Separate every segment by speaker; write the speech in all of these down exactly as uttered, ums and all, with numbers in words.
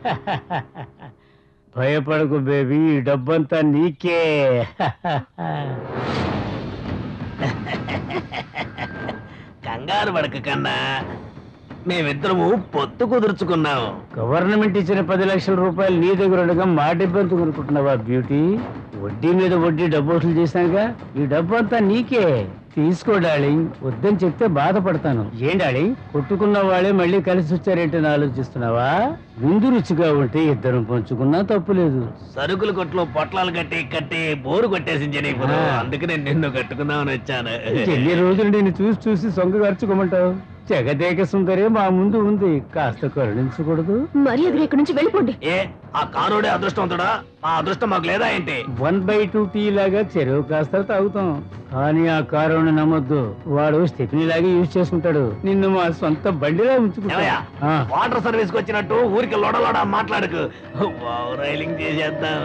Speaker 1: భయపడకు బేబీ, ఈ డబ్బంతా నీకే.
Speaker 2: కంగారు పడక కన్నా, మేమిద్దరము పొత్తు కుదుర్చుకున్నాము.
Speaker 1: గవర్నమెంట్ ఇచ్చిన పది లక్షల రూపాయలు నీ దగ్గర ఉండగా మా డబ్బు కొనుక్కుంటున్నావా బ్యూటీ? వడ్డీ మీద వడ్డీ డబ్బు వసూలు చేశానుగా, ఈ డబ్బు అంతా నీకే. తీసుకో డార్లింగ్, వద్దని చెప్తే బాధపడతాను. ఏం డార్లింగ్, కొట్టుకున్న వాళ్ళే మళ్ళీ కలిసి వచ్చారేంటని ఆలోచిస్తున్నావా? ముందు రుచిగా ఉంటే ఇద్దరం పంచుకున్నా తప్పులేదు.
Speaker 2: సరుకుల కొట్లో పొట్లాలు కట్టి కట్టి బోరు కొట్టేసించని అందుకనే నిన్ను కట్టుకుందామని వచ్చాను.
Speaker 1: ఎన్ని రోజులు నేను చూసి చూసి సొంగ ఖర్చుకోమంటావు? జగదేక సుందరే మా ముందు ఉంది, కాస్త కరుణించకూడదు?
Speaker 3: మర్యాదగా ఇక్కడి నుంచి వెళ్ళిపోండి.
Speaker 2: ఏ ఆ కారోడే అదృష్టవంతుడా? ఆ అదృష్టం మాకు లేదా ఏంటి?
Speaker 1: వన్ బై టూ టీ లాగా చెరువు కాస్త తాగుతాం, కానీ ఆ కారుని నమ్మొద్దు. వాడు స్టెఫినీ లాగా యూజ్ చేసుకుంటాడు, నిన్ను మా సొంత బండిలా ఉంచుకుంటా.
Speaker 2: వాటర్ సర్వీస్ కి వచ్చినట్టు ఊరికి లోడ లోడ మాట్లాడకు. రైలింగ్ చేసేద్దాం.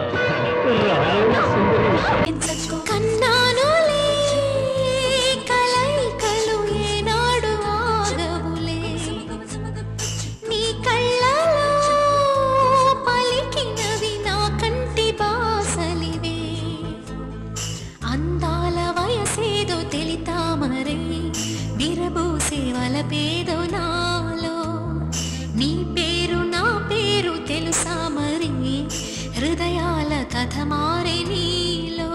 Speaker 4: పేదో నాలో నీ పేరు నా పేరు తెలుసా మరి హృదయాల కథమా